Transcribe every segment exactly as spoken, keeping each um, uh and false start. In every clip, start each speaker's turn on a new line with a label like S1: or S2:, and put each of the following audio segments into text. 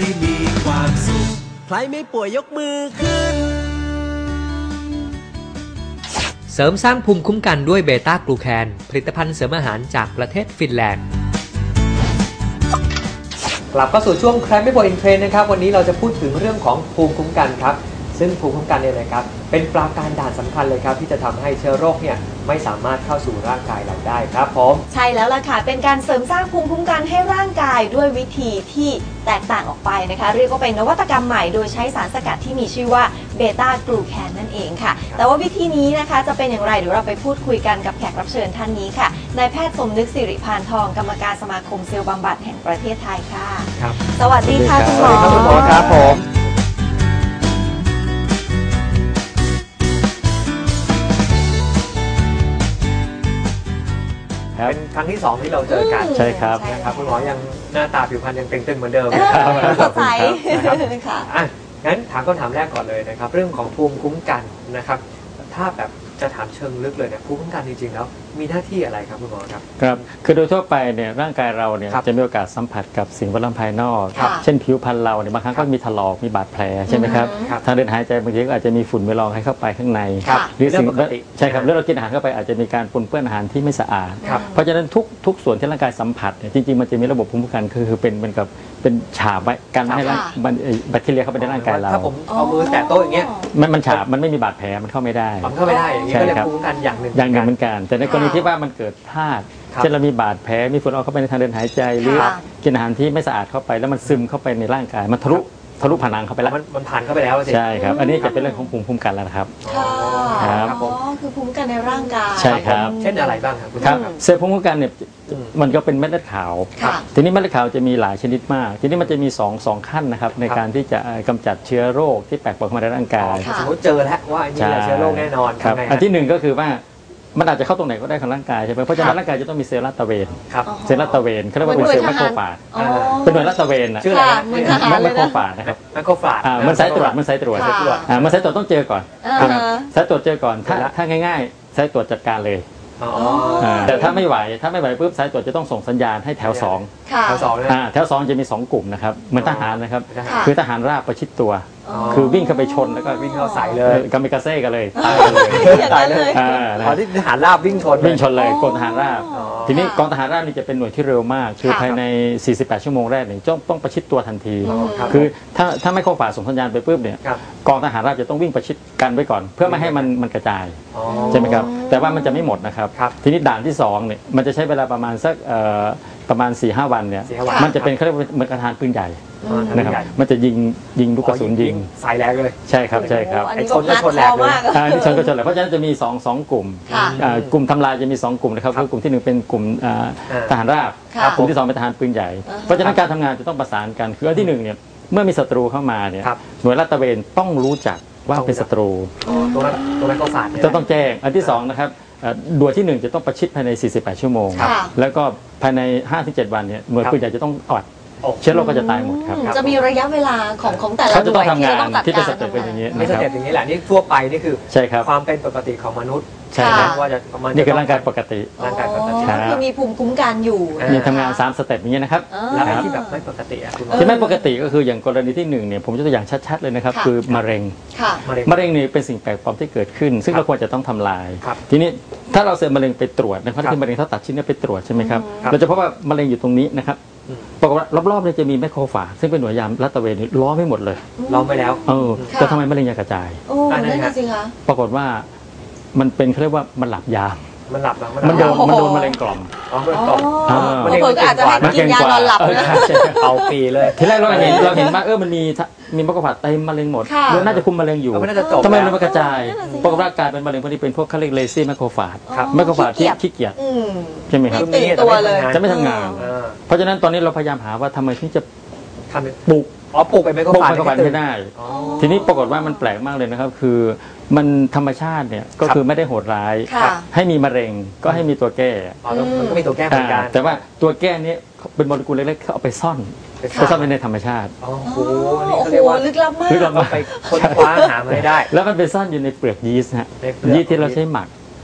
S1: มีความสุขใครไม่ป่วยยกมือขึ้น
S2: เสริมสร้างภูมิคุ้มกันด้วยเบต้ากลูแคนผลิตภัณฑ์เสริมอาหารจากประเทศฟินแลนด์กลับเข้าสู่ช่วงใครไม่ป่วยอินเทรนด์นะครับวันนี้เราจะพูดถึงเรื่องของภูมิคุ้มกันครับซึ่งภูมิคุ้มกันเนี่ยนะครับเป็นปราการด่านสำคัญเลยครับที่จะทำให้เชื้อโรคเนี่ยไม่สามารถเข้าสู่ร่างกายเราได้ครับผม
S3: ใช่แล้วล่ะค่ะเป็นการเสริมสร้างภูมิคุ้มกันให้ร่างกายด้วยวิธีที่แตกต่างออกไปนะคะเรียกว่าเป็นนวัตกรรมใหม่โดยใช้สารสกัดที่มีชื่อว่าเบต้ากลูแคนนั่นเองค่ะแต่ว่าวิธีนี้นะคะจะเป็นอย่างไรเดี๋ยวเราไปพูดคุยกันกับแขกรับเชิญท่านนี้ค่ะนายแพทย์สมนึกสิริพานทองกรรมการสมาคมเซลล์บำบัดแห่งประเทศไทยค่ะ
S2: ครับ
S3: สวัสดีค่ะคุณหมอ
S2: คุณหมอครับผมเป็นครั้งที่สองที่เราเจอกัน
S4: ใช่ครับ
S2: นะครับคุณหมอยังหน้าตาผิวพรรณยังเตึงๆเหมือนเดิม
S3: สดใส
S2: ค่ะอ่ะงั้นถามคำถามแรกก่อนเลยนะครับเรื่องของภูมิคุ้มกันนะครับถ้าแบบจะถามเชิงลึกเลยเนี่ยภูมิคุ้มกันจริงๆแล้วมีหน้าที่อะไรครับคุณหมอครับ
S4: ครับคือโดยทั่วไปเนี่ยร่างกายเราเนี่ยจะมีโอกาสสัมผัสกับสิ่งแวดล้อมภายนอกเช่นผิวพรรณเราเนี่ยบางครั้งก็มีถลอกมีบาดแผลใช่ไหมครับทางเดินหายใจบางทีก็อาจจะมีฝุ่นไปรองให้เข้าไปข้างในหรือสิ่งใช่ครับเมื่อเรากินอาหารเข้าไปอาจจะมีการปนเปื้อนอาหารที่ไม่สะอาดเพราะฉะนั้นทุกทุกส่วนที่ร่างกายสัมผัสเนี่ยจริงๆมันจะมีระบบภูมิคุ้มกันคือเป็นเป็นกับเป็นฉาบไว้กันให้แบคทีเรียเข้าไปในร่างกายเรา
S2: ถ้าผมเอามือแตะโต๊ะอย่างเงี้ย
S4: มันมันฉาบมันไม่มีบาดแผลมันเข้าไม่ได้
S2: มันเข้าไม่ได้อย่างนี้ก็เรียกภูมิคุ้มกันอย่างหนึ่ง
S4: อย่างหนึ่งเหมือนกันแต่ในกรณีที่ว่ามันเกิดพลาดเช่นเรามีบาดแผลมีฝุ่นออกเข้าไปในทางเดินหายใจหรือกินอาหารที่ไม่สะอาดเข้าไปแล้วมันซึมเข้าไปในร่างกายมันทะลุทะลุผนังเข้าไปแล้ว
S2: มันผ่านเข้าไปแล้ว
S4: ใช่ครับอันนี้จะเป็นเรื่องของภูมิคุ้มกันแล้วนะครับ
S3: ครับอ๋อคือภูมิคุ้มกันในร่างกาย
S4: ใช่ครับ
S2: เช่นอะไรบ้างครับ
S4: ครับเซลล์ภูมิคุ้มกันเนี่ยมันก็เป็นเม็ดเลือดขาวทีนี้เม็ดเลือดขาวจะมีหลายชนิดมากทีนี้มันจะมีสอง สองขั้นนะครับในการที่จะกำจัดเชื้อโรคที่แปลกปลอมเข้ามาในร่างกาย
S2: สมมติเจอแล้วว่าอันนี้เชื้อโรคแน่นอน
S4: ครับอันที่หนึ่งก็คือว่ามันอาจจะเข้าตรงไหนก็ได้ของร่างกายใช่ไหมเพราะฉะนั้นร่างกายจะต้องมีเซลล์ลาดตระเวนเซลล์ลาดตระเวนเขาเรียกว่าเป็นเซลล์แมคโครฟาจเป็นหน่วยลาดตระเวนนะ
S2: ชื่ออะไร
S4: แมคโครฟาจนะครับ
S2: แมคโครฟาจ
S4: มันสายตรวจมันสายตรวจมันสายตรวจต้องเจอก่อนสายตรวจเจอก่อนถ้าถ้าง่ายๆสายตรวจจัดการเลยแต่ถ้าไม่ไหวถ้าไม่ไหวปุ๊บสายตรวจจะต้องส่งสัญญาณให้แถวสอง
S2: แถวสอง
S4: แถวสองจะมีสองกลุ่มนะครับเหมือนทหารนะครับคือทหารราบประชิดตัวคือวิ่งเข้าไปชนแล้วก็
S2: วิ่งเข้าใส่เลย
S4: กามิกาเซ่กันเลยตาย
S3: เลยตายเลย
S2: ตอนที่ทหารราบวิ่งชน
S4: วิ่งชนเลยกองทหารราบทีนี้กองทหารราบนี่จะเป็นหน่วยที่เร็วมากคือภายในสี่สิบแปดชั่วโมงแรกเนี่ยต้องต้องประชิดตัวทันทีคือถ้าถ้าไม่เข้าฝ่าส่งสัญญาณไปปุ๊บเนี่ยกองทหารราบจะต้องวิ่งประชิดกันไว้ก่อนเพื่อไม่ให้มันมันกระจายใช่ไหมครับแต่ว่ามันจะไม่หมดนะครับทีนี้ด่านที่สองเนี่ยมันจะใช้เวลาประมาณสักประมาณ สี่ห้า วันเนี่ยมันจะเป็นเขาเรียกว่าเหมือนกระทานปืนใหญ่นะครับมันจะยิงยิงลูกกระสุนยิง
S2: สายแรงเลย
S4: ใช่ครับใช่ครับ
S3: ไอ้ชนก็ชนแรงเลย
S4: อ่านี่ชนก็ชนแรงเพราะฉะนั้นจะมีสอง สองกลุ่มกลุ่มทำลายจะมีสองกลุ่มนะครับคือกลุ่มที่หนึ่งเป็นกลุ่มทหารราบกลุ่มที่สองเป็นทหารปืนใหญ่เพราะฉะนั้นการทำงานจะต้องประสานกันคืออันที่หนึ่งเนี่ยเมื่อมีศัตรูเข้ามาเนี่ยหน่วยลาดตระเวนต้องรู้จักว่าเป็นศัตรู
S2: ตรงนั้นตรงนั้นก็ฝาด
S4: จะต้องแจ้งอันที่สองนะครับด่วนที่หนึ่งจะต้องประชิดภายในสี่สิบแปดชั่วโมงแล้วก็ภายใน ห้าถึงเจ็ด วันเนี่ยหน่วยปืนใหญ่จะต้องออดเชื้อโรคก็จะตายหมดครับ
S3: จะมีระยะเวลาของของแต่ละ
S4: หน่วยที่จะต้องจัดการที่เป็นสเต็ปเป็นอย่างนี้
S2: นี่สเต็ปอย่างนี้แหละนี่ทั่วไปนี่คือ
S4: ใช่ครับ
S2: ความเป็นปกติของมนุษย์
S4: ใช่ครับ
S2: ว่าจะ
S4: นี่คือร่างกายปกติ
S2: ร่างกายปกติ
S3: คือมีภูมิคุ้มกันอยู่
S4: มีทำงานสามสเต็ปอย่างนี้นะครับ
S2: แล้วที่แบบไม่ปกติ
S4: ที่ไม่ปกติก็คืออย่างกรณีที่หนึ่งเนี่ยผมจะตัวอย่างชัดๆเลยนะครับคือมะเร็งมะเร็งนี่เป็นสิ่งแปลกปลอมที่เกิดขึ้นซึ่งเราควรจะต้องทำลายทีนี้ถ้าเราเซลล์มะเร็งไปตรวจนะครับที่มะเร็งถ้าตัดชิ้นนี้ไปตรวจใช่ไหมครับเราจะพบว่ามะเร็งอยู่ตรงนี้นะครับปรากฏว่ารอบๆเนี่ยจะมีแมคโครฟาจซึ่งเป็นหน่วยยามลาดตระเวนล้อมไม่หมดเลย
S2: ล้อมไปแล้ว
S4: เออแต่ทำไมมะเร็งยังกระจาย
S3: โอ้นั่นสิคะ
S4: ปรากฏว่ามันเป็นเขาเรียกว่ามันหลับยาม
S2: มันหลับ
S4: มันโดนมันโดนมะเร็งกล่อม
S2: อ๋อมะเร็งกล่อม
S3: มะเร็งก็อาจจะให้กินยานอนหลับนะ
S2: เอาปีเลย
S4: ทีแรกเราเห็นเราเห็นว่าเออมันมีมีแมคโครฟาจเต็มมะเร็งหมดเราน่าจะคุมมะเร็งอยู่ทำไมมันกระจายปรากฏว่ากลายเป็นมะเร็งพวกนี้เป็นพวกเขาเรียกเลซี่แมคโครฟาจแมคโครฟาจที่ขี้เกียจใช่ไหมครับ
S3: ตัวเลย
S4: จะไม่ทำงานเพราะฉะนั้นตอนนี้เราพยายามหาว่าทำไมถึงจะปลูก
S2: อ๋อปลูกไปไม่ก็
S4: ปลูกไม่ได้ทีนี้ปรากฏว่ามันแปลกมากเลยนะครับคือมันธรรมชาติเนี่ยก็คือไม่ได้โหดร้ายให้มีมะเร็งก็ให้มีตัวแก้
S2: มันก็มีตัวแก้เหมือนกัน
S4: แต่ว่าตัวแก้นี้เป็นโมเลกุลเล็กๆเขาเอาไปซ่อนไปซ่อนไว้ในธรรมชาติ
S2: โอ้โหนี่เขาเรียกว่า
S3: ลึกลับมาก
S4: ลึกลับมาก
S2: ไปค้นคว้าหามาได้
S4: แล้วมันไปซ่อนอยู่ในเปลือกยีสต์ฮะยีสต์ที่เราใช้หมัก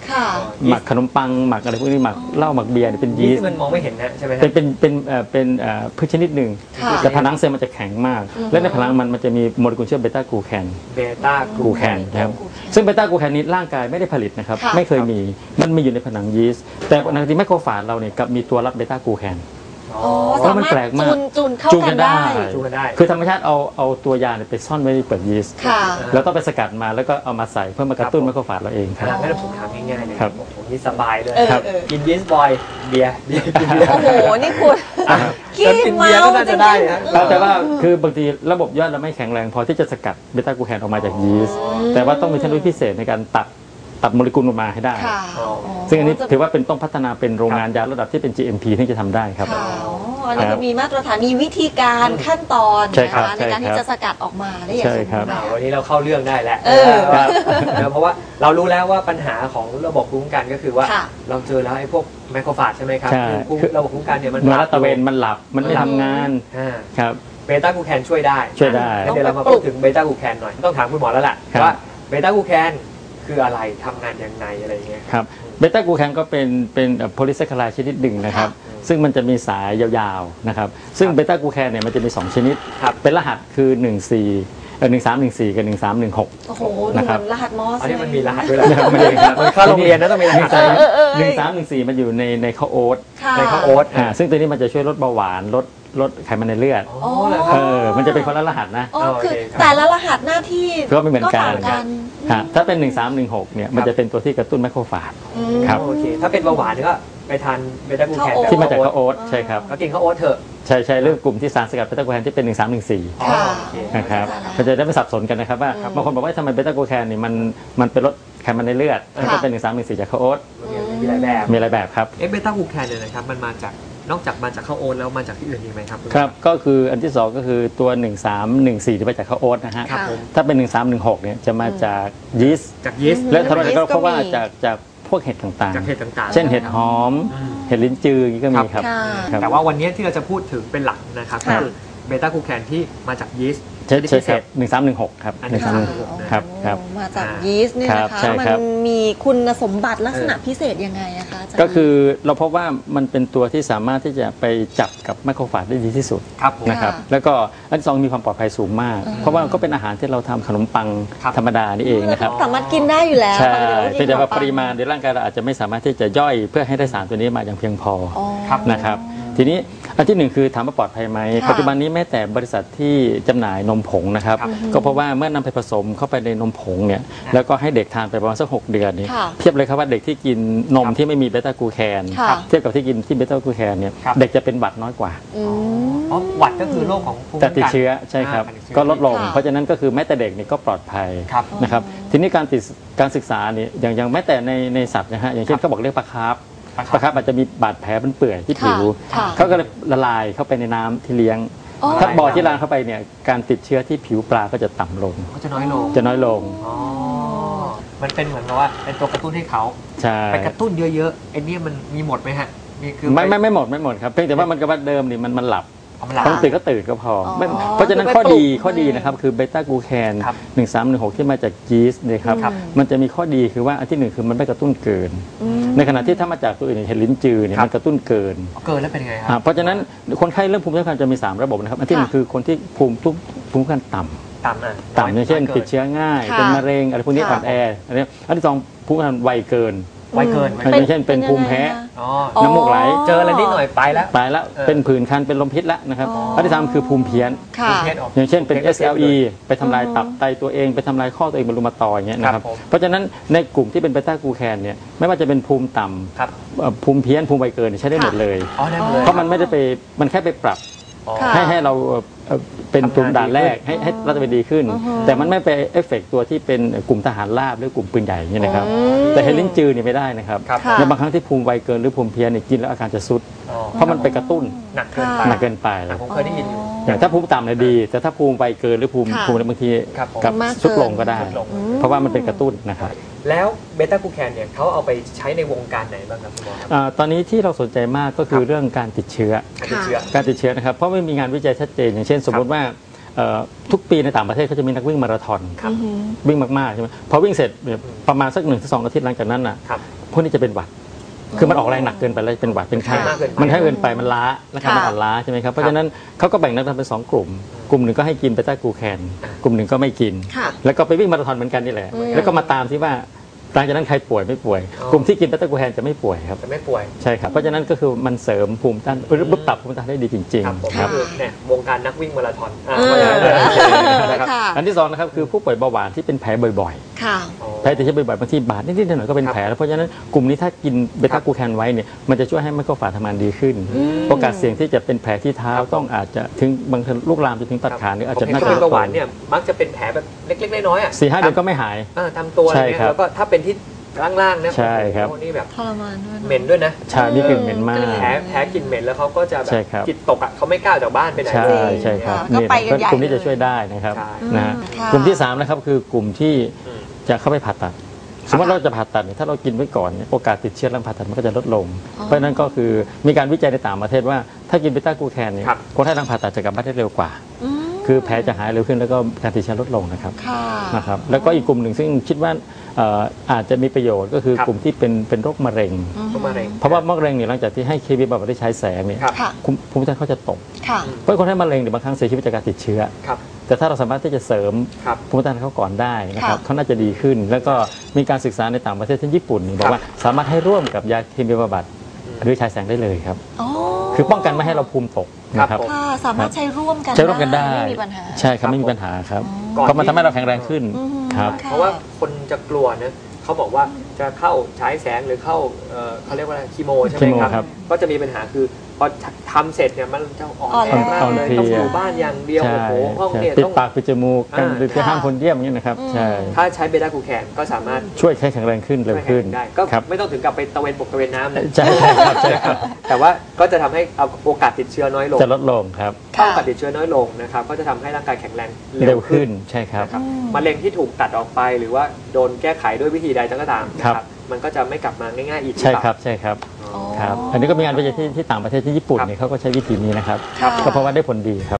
S3: ค่ะ
S4: หมักขนมปังหมักอะไรพวกนี้หมักเหล้าหมักเบียร์เนี่ยเป็นยี
S2: ยีส
S4: ส
S2: ต์
S4: ต์
S2: มันมองไม่เห็นนะใช่ไหมฮะ
S4: เป็นเป็นเป็นเอ่อเป็นเอ่อพืชชนิดหนึ่ง
S3: ค่ะ
S4: แต่ผนังเซลล์มันจะแข็งมาก และในผนังมันมันจะมีโมเลกุลชื่อเบต้ากลูแคน
S2: เบต้าก
S4: ลูแคนนะครับซึ่งเบต้ากลูแคนนี้ร่างกายไม่ได้ผลิตนะครับ
S3: ค่ะ
S4: ไม่เคยมีมันมีอยู่ในผนังยีสต์แต่ในที่ไมโครฟาจเราเนี่ยกับมีตัวรับเบต้ากลูแคน
S3: อ๋อ
S4: เพราะ
S3: สา
S4: มัน
S3: มารถ
S4: แปลกมาก
S3: จูนจูนเข้า
S4: จูนกั
S3: กัน
S4: นได้
S3: ได้
S2: จูนกันได้
S4: คือธรรมชาติเอาเอาตัวยาเนี่ยไปซ่อนไว้ในเปลือกยีสต์
S3: ค่ะ
S4: แล้วต้องไปสกัดมาแล้วก็เอามาใส่เพื่อมากระตุ้นไมโครฟาจเราเองครับ
S2: ให้เราผมถามง่ายๆเลย
S4: ครับ
S2: โอ้โหนี่สบายเลย
S3: เออ
S2: ครับ
S3: เออ
S2: กินยีสต์บอยเบียร์เบียร์กินเบียร์
S3: โอ้โห นี่คุณ ขี้
S2: กิน
S3: เมา
S2: เบียร์ก็น่าจะได้นะ
S3: จริงๆ
S4: แต่ว่าคือบางทีระบบย่อยเราไม่แข็งแรงพอที่จะสกัดเบต้ากลูแคนออกมาจากยีสต์แต่ว่าต้องมีเทคโนโลยีพิเศษในการตัดตัดโมเลกุลออกมาให้ได้
S3: ค่ะ
S2: อ๋อ
S4: ซึ่งอันนี้ถือว่าเป็นต้องพัฒนาเป็นโรงงานยาระดับที่เป็น จี เอ็ม พี ที่จะทำได้ครับ
S3: ค่ะอ๋ออันนี้ก็มีมาตรฐานมีวิธีการขั้นตอน
S4: ใช่
S3: นะ
S4: ครับ
S3: คะในการ
S4: ใช่
S3: ที่
S4: ครับ
S3: จะสกัดออกมาได้อย่าง
S4: ใช่
S3: สม
S4: ครั
S3: บู
S4: บ
S3: รณ์
S2: อ่า
S3: แบบ
S2: วันนี้เราเข้าเรื่องได้แล้ว
S3: เออ
S2: ว่าเพราะว่าเรารู้แล้วว่าปัญหาของระบบภูมิคุ้มกันก็คือว่า
S3: ค่ะ
S2: เราเจอแล้วไอ้พวกไมโครฟาจใช่ไหมครับ
S4: ใช่
S2: คือภูมิระบบภูมิคุ้มกันเนี่ยมัน
S4: มันรัตเวนมันหลับมันไม่ทำงาน
S2: อ่า
S4: ครับ
S2: เบต้ากลูแคนช่วยได้
S4: ช่วยได้
S2: งั้นเดี๋ยวเรามาพูดถึงเบต้ากลูแคนหน่อยต้องถามคุณหมอแล้วล่ะ
S4: ครับ
S2: ว่าเบต้ากลูแคนคืออะไรทำงานยังไงอะไรอย่างเงี้ย
S4: ครับเบต้ากลูแคนก็เป็นเป็นโพลิแซคคาไรด์ชนิดหนึ่งนะครับ
S2: ค่ะ
S4: ซึ่งมันจะมีสายยาวๆนะครับซึ่งเบต้ากลูแคนเนี่ยมันจะมีสองชนิด
S2: ครับ
S4: เป็นรหัสคือหนึ่ง สี่เออหนึ่งสามหนึ่งสี่กับหนึ่งสามหนึ่งหก
S3: โอ้โหดูเห
S4: นะครับ
S3: มือนรหัสมอส
S2: อันนี้มันมีรหัส
S3: เล
S2: ด้วย
S3: ย
S2: เหรอ
S4: ไม่ได้ครับ
S2: มันเข้าโรงเรียนนะต้องมีรหัส
S3: เออเออเออ
S4: หนึ่งสามหนึ่งสี่มันอยู่ในในข้าวโอ๊ต
S3: ค่ะ
S2: ในข้าวโอ๊ต
S4: อ่าซึ่งตัวนี้มันจะช่วยลดเบาหวานลดลดไขมันในเลือด
S2: อ๋อเหรอค
S4: เอ
S2: รับ
S4: อมันจะเป็นคนละรหัสนะ
S3: อ๋อคือ
S2: โอเคครับ
S3: แต่ละรหัสหน้าที่
S4: ก็ไม่เหมือนกัน
S3: ต่างกัน
S4: ฮะถ้าเป็นหนึ่งสามหนึ่งหกเนี่ยมันจะเป็นตัวที่กระตุ้นไมโครฟาจ
S3: อืม
S4: ครับ
S2: โอเคถ้าเป็นเบาหวานก็ไปทานเบต้ากลูแคน
S3: ข้าวโอ๊ต
S4: ที่มาจากข้าว
S2: โอ๊ต
S4: โอ๊ตใช่ครับ
S2: ก็กินข้าวโอ๊ตเถอะ
S4: ใช่ใช่เรื่องกลุ่มที่สารสกัดเบต้าโกลูแคนที่เป็นหนึ่งสามหนึ่งสี่
S2: อ๋อ
S3: ค่ะ
S2: โอเค
S4: นะครับ
S3: เข้าใจแล้ว
S4: มันจะได้ไม่สับสนกันนะครับว่า
S3: อืม
S4: บางคนบอกว่าทำไมเบต้าโกลูแคนนี่มันมันเป็นลดไขมันในเลือดมันก็เป็นหนึ่งสามหนึ่งสี่จากข้าวโอ๊ต
S2: มีหลายแบบ
S4: มีหลายแบบครับ
S2: เอะเบต้ากลูแคนเนี่ยนะครับมันมาจากนอกจากมาจากข้าวโอ๊ตแล้วมาจากที่อื่นอีกไหมครับณหมอ
S4: ครับก็คืออันที่สองก็คือตัวหนึ่งสามหนึ่งสี่ที่มาจากข้าวโอ๊ตนะฮะ
S2: ครับผม
S4: ถ้าเป็นหนึ่งสามหนึ่งหกเนี่ยจะมาจากยีสต์
S2: จากยีสต์
S4: และทำไมก็
S3: ยีสต์ก็
S4: เพราะว่า
S3: มี
S4: จากจากพวกเห็ดต่าง
S2: จากเห็ดต่าง
S4: ๆ
S2: ๆ
S4: เช่นเห็ดหอม
S2: อืม
S4: เห็ดลิ้นจืออย่างนี้ก็มีครับ
S3: ค่ะ
S4: ครับ
S2: แต่ว่าวันนี้ที่เราจะพูดถึงเป็นหลักนะครับก็
S3: ค่ะ
S2: คือเบต้ากลูแคนที่มาจากยีสต์
S4: ใช่
S2: ชนิด
S4: ใช่
S2: พิเศ
S4: ครับ
S2: ษ
S4: หนึ่งสามหนึ่งหกครับ
S2: อัน
S4: ห
S2: นี้
S4: นึ่งสามหนึ่งหกครับครับ
S3: มาจาก
S2: อ่า
S3: ยีสต์เนี่ย
S4: ครับ
S3: นะคะ
S4: ใช่
S3: มั
S4: ครับ
S3: มีคุณสมบัติลักษณะพิเศษยังไงอะคะาจารย์
S4: ก็คือเราพบว่ามันเป็นตัวที่สามารถที่จะไปจับกับไมโครฟาจได้ดีที่สุด
S2: ครับผม
S4: นะครับ
S3: ค่ะ
S4: แล้วก็อันที่สองมีความปลอดภัยสูงมาก
S3: อืม
S4: เพราะว่าก็เป็นอาหารที่เราทำขนมปัง
S2: ครับ
S4: ธรรมดานี่เองนะครับ
S3: สามารถกินได้อยู่แล้ว
S4: ใช่
S3: ปกติ
S4: เพียงแต่ว่า
S3: ขนปัง
S4: ปริมาณในร่างกายเราอาจจะไม่สามารถที่จะย่อยเพื่อให้ได้สารตัวนี้มาอย่างเพียงพอ
S3: อ๋อ
S2: ครับ
S4: นะครับทีนี้อันที่หนึ่งคือถามว่าปลอดภัยไหม
S3: ค่ะ
S4: ปัจจุบันนี้แม้แต่บริษัทที่จำหน่ายนมผงนะครับ
S2: ครับ
S4: ก็เพราะว่าเมื่อนำไปผสมเข้าไปในนมผงเนี่ยแล้วก็ให้เด็กทานไปประมาณสักหกเดือนนี้
S3: ค่ะ
S4: เทียบเลยครับว่าเด็กที่กินนม
S2: ครับ
S4: ที่ไม่มีเบต้ากลูแคน
S3: ค่ะ
S4: เทียบกับที่กินที่เบต้ากลูแคนเนี่ย
S2: ครับ
S4: เด็กจะเป็นหวัดน้อยกว่า
S3: อืม
S2: อ๋อหวัดก็คือโรคของภูมิ
S4: แต่
S2: คุ้ม
S4: ติด
S2: กัน
S4: เชื้อใช่ครับ
S2: อ่าติดเชื้อ
S4: ก็ลดลง
S3: ค่ะ
S4: เพราะฉะนั้นก็คือแม้แต่เด็กนี่ก็ปลอดภัย
S2: ครับ
S4: นะครับทีนี้การติดการศึกษาเนี่ยอย่างอย่างแม้แต่ในในสัตว์นะฮะอย่างเช่นเขาบอกเรียกปลาคาร์ฟ
S2: ปลา
S4: ปลาคาร์ฟอาจจะมีบาดแผลเป็นเปื่อยที่ผิว
S3: ค่ะ
S4: เขาก็เลยละลายเข้าไปในน้ำที่เลี้ยง
S3: อ๋อ
S4: ถ้าบ่อที่ล้างเข้าไปเนี่ยการติดเชื้อที่ผิวปลาก็จะต่ำลง
S2: ก็จะน้อยลง
S4: จะน้อยลง
S2: อ๋อมันเป็นเหมือนกับว่าเป็นตัวกระตุ้นให้เขา
S4: ใช่
S2: ไปกระตุ้นเยอะๆไอ้เนี่ยมันมีหมดไหมฮะมีคือ
S4: ไม่
S2: ป
S4: ไม่ไม่หมดไม่หมดครับเพียงแต่ว่ามันกับว่าเดิมนี่มันมันหลับ
S2: เอามาหลับ
S4: ต้องตื่นก็ตื่นก็พออ
S3: อ
S4: ไม่เพราะฉะนั้น
S3: คือไป
S4: ข้อดี
S3: ปลุก
S4: ข้อดี
S3: ให้
S4: นะครับคือเบต้ากลูแคน
S2: ครับ
S4: หนึ่งสามหนึ่งหกที่มาจากยีสต์เนี่ยครับ
S3: ครับ
S4: มันจะมีข้อดีคือว่าอันที่หนึ่งคือมันไม่กระตุ้นเกิน
S3: อืม
S4: ในขณะที่ถ้ามาจากตัวอื่นอย่างเห็ดลิ้นจือเนี่ย
S2: ครับ
S4: มันกระตุ้นเกิน
S2: เกินแล้วเป็นไงค
S4: อ่า
S2: รับ
S4: เพราะฉะนั้นคนไข้เรื่องภูมิคุ้มกันจะมีสามระบบนะครับอันที่หนึ่ง
S3: ค่ะ
S4: คือคนที่ภูมิทุกภูมิคุ้มกันต่ำ
S2: ต่ำอ่ะ
S4: ต่ำอย่างเช่น
S2: กิ
S4: ติดเชื้อง่าย
S3: ค่ะ
S4: เป็นมะเร็งอะไรพวกนี้
S3: ค่ะ
S4: อ่อนแออันนี้อันที่สองภูมิคุ้มกันไวเกิน
S2: ไวเกินไว
S4: อ
S2: เกิน
S4: ย่างเช่นเป็นภูมิแพ้
S2: อ๋อ
S3: อ๋อ
S4: น้ำมูกไหล
S2: เจออะไรนิดหน่อยไปแล้ว
S4: ตายแล้ว
S2: เออ
S4: เป็นผื่นคันเป็นลมพิษแล้วนะครับ
S3: อ๋ออั
S4: อันที่สามคือภูมิเพี้ยน
S3: ค่ะ
S2: ภูมิออก
S4: อย่างเช่นเป็น
S2: ภูมิ
S4: เอส แอล อี ไปทำลาย
S3: อือฮึ
S4: ตับไตตัวเองไปทำลายข้อตัวเองเป็นรูมาตอยด์อย่างเงี้ยนะค
S2: ครั
S4: รั
S2: บบ ผม
S4: เพราะฉะนั้นในกลุ่มที่เป็นเบต้ากลูแคนเนี่ยไม่ว่าจะเป็นภูมิต่
S2: ครับ
S4: ำเอ่อภูมิเพี้ยนภูมิไวเกินเนี่ยใช้ได้หมดเลย
S2: อ๋อได้หมดเลย
S4: เพราะมันไม่ได้ไปมันแค่ไปปรับ
S2: อ๋อ
S3: ค่ะ
S4: ให้ให้เราเอ่อเอ่อเป็น
S2: ทำงาน
S4: ตัวด่านแรก
S2: ดีขึ้น
S4: ให้ให้รัฐบาลดีขึ้น
S3: อือฮึ
S4: แต่มันไม่ไปเอฟเฟกต์ตัวที่เป็นกลุ่มทหารราบหรือกลุ่มปืนใหญ่อย่างเงี้ยนะครับ
S3: อืม
S4: แต่เฮลินจือเนี่ยไม่ได้นะครับ
S2: ครับ
S3: ค่ะ
S4: ในบางครั้งที่ภูมิไวเกินหรือภูมิเพี้ยนเนี่ยกินแล้วอาการจะซุด
S2: อ๋อ
S4: เพราะมันไปกระตุ้น
S2: หนักเกินไป
S4: หนักเกินไป
S2: อ่ะผมเคยได้ยินอยู่
S4: อย่างถ้าภูมิต่ำเนี่ยดี แต่ถ้าภูมิไวเกินหรือภูมิ
S3: ค่ะ
S4: ภูมิบางที
S2: ครับผม
S4: กับ
S3: มากเกิน
S4: ซุดลงก็ได้
S2: ซุดลง
S3: อืม
S4: เพราะว่ามันเป็นกระตุ้นนะครับ
S2: แล้วเบต้ากลูแคนเนี่ยเขาเอาไปใช้ในวงการไหนบ้างครับคุณหมอครับ
S4: อ่าตอนนี้ที่เราสนใจมากก็คือ
S2: ครับ
S4: เรื่องการติดเชื้อ
S2: การติดเชื้อ
S4: การติดเชื้อนะครับเพราะไม่มีงานวิจัยชัดเจนอย่างเช่น สมมติว่าเอ่อทุกปีในต่างประเทศเขาจะมีนักวิ่งมาราธอน
S3: อือหือ
S4: วิ่งมากๆใช่ไหมพอวิ่งเสร็จเนี่ยประมาณสักหนึ่งถึงสองอาทิตย์หลังจากนั้นน่ะ
S2: ครับ
S4: พวกนี้จะเป็นหวัด คือมันออกแรงหนักเกินไปแล้วเป็นหวัดเป็นไข้
S2: มากเกินไป
S4: มันให้เกินไปมันล้านะครับ
S3: ค่ะ
S4: มันอ่อนล้าใช่ไหมครับเพราะฉะนั้นเขาก็แบ่งนักทำเป็นสองกลุ่ม กลุ่มหนึ่งก็ให้กินเบต้ากลูแคนกลุ่มหนึ่งก็ไม่กิน
S3: ค่ะ
S4: แล้วก็ไปวิ่งมาราธอนเหมือนกันนี่แหละ
S3: อืม
S4: แล้วก็มาตามที่ว่าหลังจากนั้นใครป่วยไม่ป่วย
S2: อ๋อ
S4: กลุ่มที่กินเบต้ากลูแคนจะไม่ป่วยครับ
S2: จะไม่ป่วย
S4: ใช่ครับเพราะฉะนั้นก็คือมันเสริมภูมิต้านหรือปรับภูมิต้านได้ดีจริง
S2: ครับผม
S4: ๆครับ
S2: คือเนี่ยวงการนักวิ่งมาราธอนอ่า
S3: เออ
S2: ว่าอย่างนั้นเลยนะครับ
S3: ค่ะ
S4: อันที่สองนะครับคือผู้ป่วยเบาหวานที่เป็นแผลบ่อย
S3: ค่ะ
S4: ๆแผลติดเชื้อบ่อยๆบางทีบาดนิดๆหน่อยๆก็เป็นแผลแล้วเพราะฉะนั้นกลุ่มนี้ถ้ากินเบต้ากลูแคนไว้เนี่ยมันจะช่วยให้ไมโครฝาทำงานดีขึ้น โอกาสเสี่ยงที่จะเป็นแผลที่เท้าต้องอาจจะถึงบางทีลูกลามจะถึงตัดขาหรืออาจ
S2: ผม
S4: จะ
S2: เห็น
S4: น่า
S2: คน
S4: จะ
S2: เป็นเบาหวานเนี่ยมักจะเป็นแผลแบบเล็กๆน้อยๆอ่ะ
S4: สี่ห้าเดือนก็ไม่หาย
S2: อ่าตามตัวอะไร
S4: ใช่
S2: เงี้ย
S4: ครับ
S2: แล้วก็ถ้าเป็นที่ล่างๆเนี่ย
S4: ใช่ครับ
S2: โอ้โหนี่แบบ
S3: ทรมานด้วย
S2: เหม็นด้วยนะ
S4: ชามีกลิ่นเหม็นมาก
S2: แผลแผลกลิ่นเหม็นแล้วเขาก็จะแบบ
S4: ใช่ครับ
S2: จิตตกอ่ะเขาไม่กล้าออกจากบ้านไปไหน
S4: ใช่
S2: เลย
S4: ใช่ครับ
S3: ก็ไปกัน
S4: แหละ
S3: ใหญ่
S4: กลุ่มนี้
S3: เลย
S4: จะช่วยได้นะครับ
S2: ใช่
S4: นะฮะ
S3: ค่ะ
S4: กลุ่มที่สามนะครับคือกลุ่มที่
S2: อืม
S4: จะเข้าไปผ่าตัด สมมติเราจะผ่าตัดเนี่ยถ้าเรากินไว้ก่อนเนี่ยโอกาสติดเชื้อหลังผ่าตัดมันก็จะลดลง
S3: อ๋อ
S4: เพราะฉะนั้นก็คือมีการวิจัยในต่างประเทศว่าถ้ากินเบต้ากลูแคนเนี่ย
S2: ครับ
S4: คนไข้หลังผ่าตัดจะกลับบ้านได้เร็วกว่า
S3: อืม
S4: คือแผลจะหายเร็วขึ้นแล้วก็การติดเชื้อลดลงนะครับ
S3: ค่ะ
S4: นะครับแล้วก็อีกกลุ่มหนึ่งซึ่งคิดว่าเอ่ออาจจะมีประโยชน์ก็คือ
S2: ครับ
S4: กลุ่มที่เป็นเป็นโรคมะเร็ง
S3: อืม
S2: เข้ามาเร็ง
S4: เพราะว่ามะเร็งเนี่ยหลังจากที่ให้เคมีบำบัดได้ใช้แสงเนี่ย
S2: ครับ
S3: ค่ะ
S4: ภูมิภูมิคุ้มกันเขาจะตก
S3: ค่ะ
S4: เพราะคนไข้มะเร็งเนี่ยบางครั้งเสียชีวิตจากการติดเชื้อ
S2: ครับ
S4: แต่ถ้าเราสามารถที่จะเสริม
S2: ครับ
S4: ภูมิคุ้มกันเขาก่อนได้นะครับ
S3: ค่ะ
S4: เขาน่าจะดีขึ้น แล้วก็มีการศึกษาในต่างประเทศเช่นญี่ปุ่นนี่บอ
S2: ครั
S4: ก
S2: บ
S4: ว่าสามารถให้ร่วมกับยาเคมีบำบัดหรือฉายแสงได้เลยครับ
S3: อ๋อ
S4: คือป้องกันไม่ให้เราภูมิตกนะครับ
S2: ผม
S3: ค่ะ สามารถใช้ร่วมกัน
S4: ใช้ร่วมกันได้
S3: ไม่มีปัญหา
S4: ใช่ครับไม่มีปัญหาครับ
S2: ก่อน
S4: เพราะมัน
S2: ที่
S4: ทำให้เราแข็งแรงขึ้น
S3: อืม
S4: ครับ
S3: ค่ะ
S2: เพราะว่าคนจะกลัวนะเขาบอกว่าจะเข้าฉายแสงหรือเข้าเอ่อเขาเรียกว่าอะไรคีโมใช่ไหม
S4: คีโม
S2: ครับ
S4: ครับ
S2: ก็จะมีปัญหาคือพอทำเสร็จเนี่ยมันจะอ่อน
S3: อ่อน
S2: แรงมาก
S4: อ่อน
S2: เลย
S4: เพลีย
S2: ต้องอยู่บ้านอย่างเดียว
S4: ใช่
S2: โอ้โหห้อง
S4: ใช่
S2: เนี่ย
S4: ปิด
S2: ต้อง
S4: ปากปิดจมูกกัน
S2: อ่า
S4: หรือจะห้ามคนเยี่ยมอย่างนี้นะครับ
S3: อืม
S4: ใช่
S2: ถ้าใช้เบต้ากลูแคนก็สามารถ
S4: ช่วยให้แข็งแรงขึ้นเร็วขึ้น
S2: ได้ก็
S4: ครับ
S2: ไม่ต้องถึงกับไปตะเวนบกตะเวนน้ำนะ
S4: ใช่ครับใช่ครับ
S2: แต่ว่าก็จะทำให้เอาโอกาสติดเชื้อน้อยลง
S4: จะลดลงครับ
S2: ถ้าโอกาสติดเชื้อน้อยลงนะครับก็จะทำให้ร่างกายแข็งแรง
S4: เร็วขึ้นใช่ครับ
S2: นะครับมะเร็งที่ถูกตัดออกไปหรือว่าโดนแก้ไขด้วยวิธีใดก็ตามนะค
S4: ครั
S2: รับบ มันก็จะไม่กลับมาง่ายๆอีก
S4: ใช่
S2: หอเปล่า
S4: ครับใช่ครับ
S2: อ๋อ
S3: อ๋อ
S4: ครับ อันนี้ก็มีงานวิจัยที่ที่ต่างประเทศที่ญี่ปุ่น
S2: ครับ
S4: เนี่ยเขาก็ใช้วิธีนี้นะครับ
S3: ค่ะ
S4: ก็เพราะว่าได้ผลดีครับ